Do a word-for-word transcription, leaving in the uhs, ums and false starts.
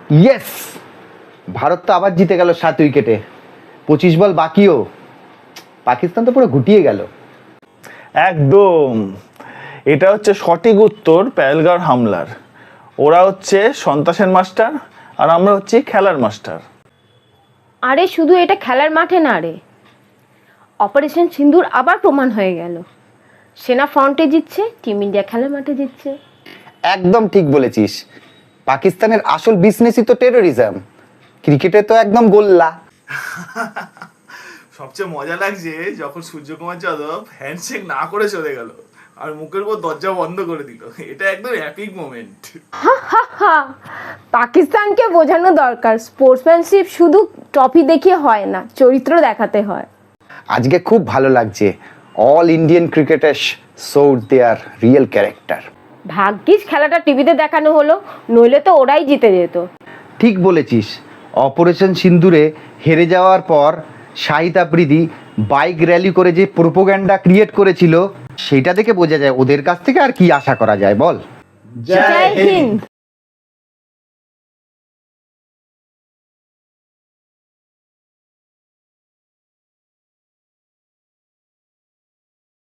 Yes, Bharat তো আবার জিতে গেল সাত উইকেটে। পঁচিশ বল বাকিও, পাকিস্তান তো পুরো গুটিয়ে গেল। একদম, এটা হচ্ছে সঠিক উত্তর পেহেলগাঁওর হামলার। ওরা হচ্ছে সন্ত্রাসের মাস্টার আর আমরা হচ্ছি খেলার মাস্টার। আরে শুধু এটা খেলার মাঠে না রে, অপারেশন সিন্দুর আবার প্রমাণ হয়ে গেল। সেনা ফ্রন্টে জিতছে, টিম ইন্ডিয়া খেলার মাঠে জিতছে। একদম ঠিক বলেছিস, পাকিস্তানের আসল বিজনেসই তো টেরোরিজম, ক্রিকেটে তো একদম গোল্লা। সবচেয়ে মজা লাগছে যখন সূর্যকুমার যাদব হ্যান্ডশেক না করে চলে গেল আর মুখের উপর দরজা বন্ধ করে দিল। এটা একদম অ্যাপিক মোমেন্ট। হা, পাকিস্তানকে বোঝানো দরকার স্পোর্টসম্যানশিপ শুধু ট্রফি দেখিয়ে হয় না, চরিত্র দেখাতে হয়। আজকে খুব ভালো লাগছে, all Indian cricketers showed their real character. ভাগ্যিস খেলাটা টিভিতে দেখানো হলো, নইলে তো ওরাই জিতে যেত। ঠিক বলেছিস, অপারেশন সিন্দুরে হেরে যাওয়ার পর শাহিদ আফ্রিদি বাইক র্যালি করে যে প্রোপাগান্ডা ক্রিয়েট করেছিল, সেটা দেখে বোঝা যায় ওদের কাছ থেকে আর কি আশা করা যায় বল। জয় হিন্দ।